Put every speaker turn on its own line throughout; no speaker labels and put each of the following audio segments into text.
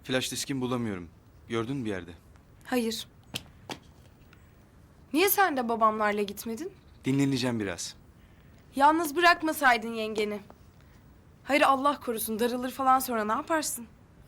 Flash diskimi bulamıyorum. Gördün mü bir yerde?
Hayır. Niye sen de babamlarla gitmedin?
Dinleneceğim biraz.
Yalnız bırakmasaydın yengeni. Hayır Allah korusun darılır falan sonra ne yaparsın?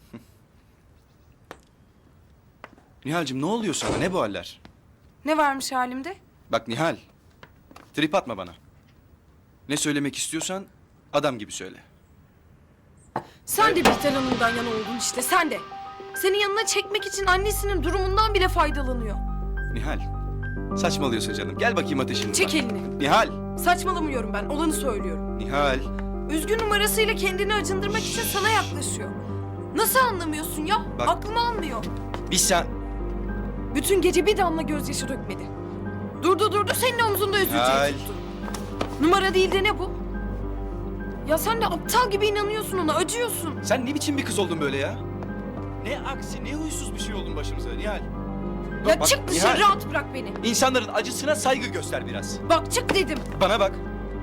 Nihal'cim ne oluyor sana? Ne bu haller?
Ne varmış halimde?
Bak Nihal. Trip atma bana. Ne söylemek istiyorsan adam gibi söyle.
Sen de Bihter Hanım'dan yana oldun işte sen de. Senin yanına çekmek için annesinin durumundan bile faydalanıyor.
Nihal. Saçmalıyorsun canım. Gel bakayım ateşini.
Çek elini.
Nihal.
Saçmalamıyorum ben olanı söylüyorum.
Nihal.
Üzgün numarasıyla kendini acındırmak için sana yaklaşıyor. Nasıl anlamıyorsun ya?
Bak.
Aklım almıyor.
Sen...
Bütün gece bir damla gözyaşı dökmedi. Durdu senin omzunda
Nihal.
üzülecek tuttu. Numara değil de ne bu? Ya sen de aptal gibi inanıyorsun ona, acıyorsun.
Sen ne biçim bir kız oldun böyle ya? Ne aksi, ne huysuz bir şey oldun başımıza Nihal.
Ya
Bak,
çık dışarı,
Nihal.
rahat bırak beni.
İnsanların acısına saygı göster biraz.
Bak çık dedim.
Bana bak.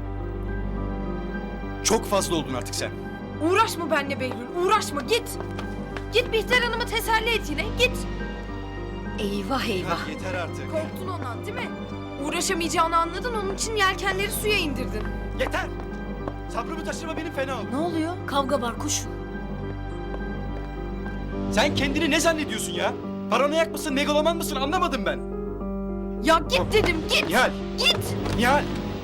Çok fazla oldun artık sen.
Uğraşma benimle Behlül, uğraşma git. Git Bihter Hanım'ı teselli et yine, git.
Eyvah eyvah.
Nihal, yeter artık.
Korktun ondan değil mi? Uğraşamayacağını anladın, onun için yelkenleri suya indirdin.
Yeter. Sabrımı taşırma benim fena oldu.
Ne oluyor? Kavga var koş.
Sen kendini ne zannediyorsun ya? Paranoyak mısın, megaloman mısın anlamadım ben.
Ya git dedim, git.
Nihal,
Git.
Nihal.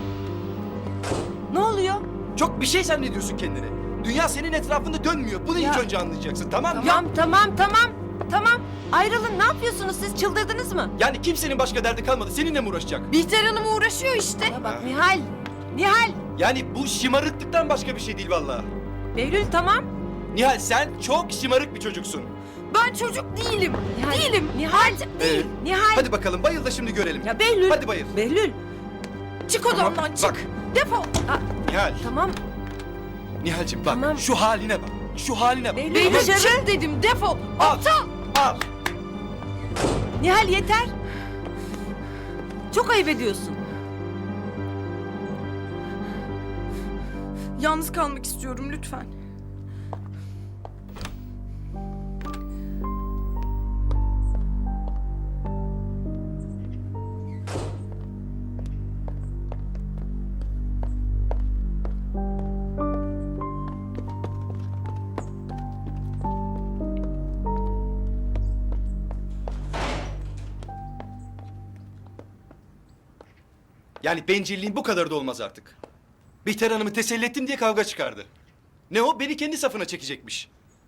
Ne oluyor?
Çok bir şey zannediyorsun kendini. Dünya senin etrafında dönmüyor. Bunu
Ya.
ilk önce anlayacaksın tamam mı?
Tamam. Ayrılın ne yapıyorsunuz siz çıldırdınız mı?
Yani kimsenin başka derdi kalmadı. Seninle mi uğraşacak?
Bihter Hanım uğraşıyor işte.
Ya bak Nihal.
Yani bu şımarıklıktan başka bir şey değil vallahi.
Behlül tamam.
Nihal sen çok şımarık bir çocuksun.
Ben çocuk değilim.
Nihal.
Değilim.
Nihal.
Artık değil.
Nihal.
Hadi bakalım bayıl da şimdi görelim.
Ya Behlül.
Hadi bayıl.
Behlül.
Çık odamdan çık.
Bak
Defol.
Nihal.
Tamam.
Nihal'cim bak
Tamam.
şu haline bak. Şu haline bak.
Behlül.
Behlül
Dışarı.
çık dedim defol.
Al.
Aptal.
Al.
Nihal yeter. Çok ayıp ediyorsun.
Yalnız kalmak istiyorum lütfen.
Yani bencilliğin bu kadar da olmaz artık. Bihter Hanım'ı teselli ettim diye kavga çıkardı. Ne o? Beni kendi safına çekecekmiş.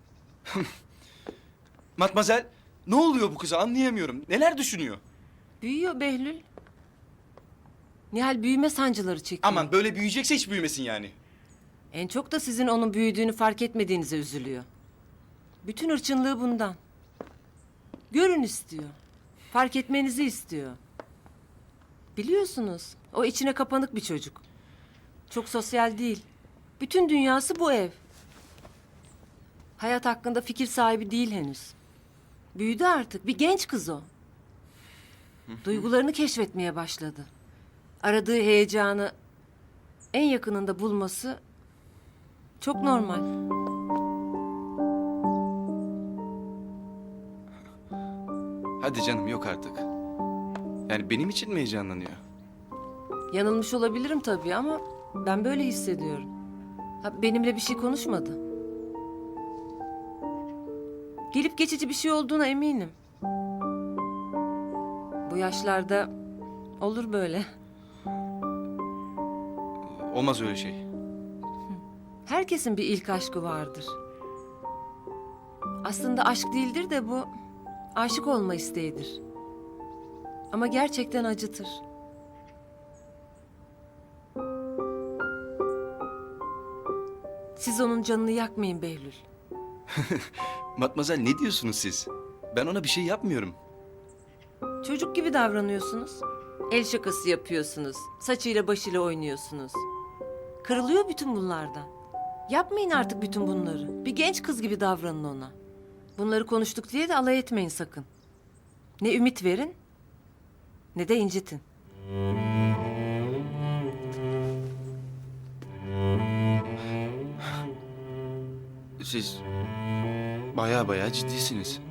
Matmazel, ne oluyor bu kıza anlayamıyorum. Neler düşünüyor?
Büyüyor Behlül. Nihal büyüme sancıları çekiyor.
Aman böyle büyüyecekse hiç büyümesin yani.
En çok da sizin onun büyüdüğünü fark etmediğinize üzülüyor. Bütün hırçınlığı bundan. Görün istiyor. Fark etmenizi istiyor. Biliyorsunuz o içine kapanık bir çocuk. Çok sosyal değil. Bütün dünyası bu ev. Hayat hakkında fikir sahibi değil henüz. Büyüdü artık. Bir genç kız o. Duygularını keşfetmeye başladı. Aradığı heyecanı en yakınında bulması çok normal.
Hadi canım yok artık. Yani benim için mi heyecanlanıyor?
Yanılmış olabilirim tabii ama ben böyle hissediyorum. Ha, benimle bir şey konuşmadı. Gelip geçici bir şey olduğuna eminim. Bu yaşlarda olur böyle.
Olmaz öyle şey.
Herkesin bir ilk aşkı vardır. Aslında aşk değildir de bu aşık olma isteğidir. Ama gerçekten acıtır. Siz onun canını yakmayın Behlül.
Matmazel ne diyorsunuz siz? Ben ona bir şey yapmıyorum.
Çocuk gibi davranıyorsunuz. El şakası yapıyorsunuz. Saçıyla başıyla oynuyorsunuz. Kırılıyor bütün bunlardan. Yapmayın artık bütün bunları. Bir genç kız gibi davranın ona. Bunları konuştuk diye de alay etmeyin sakın. Ne ümit verin ne de incitin.
Siz Baya baya ciddisiniz.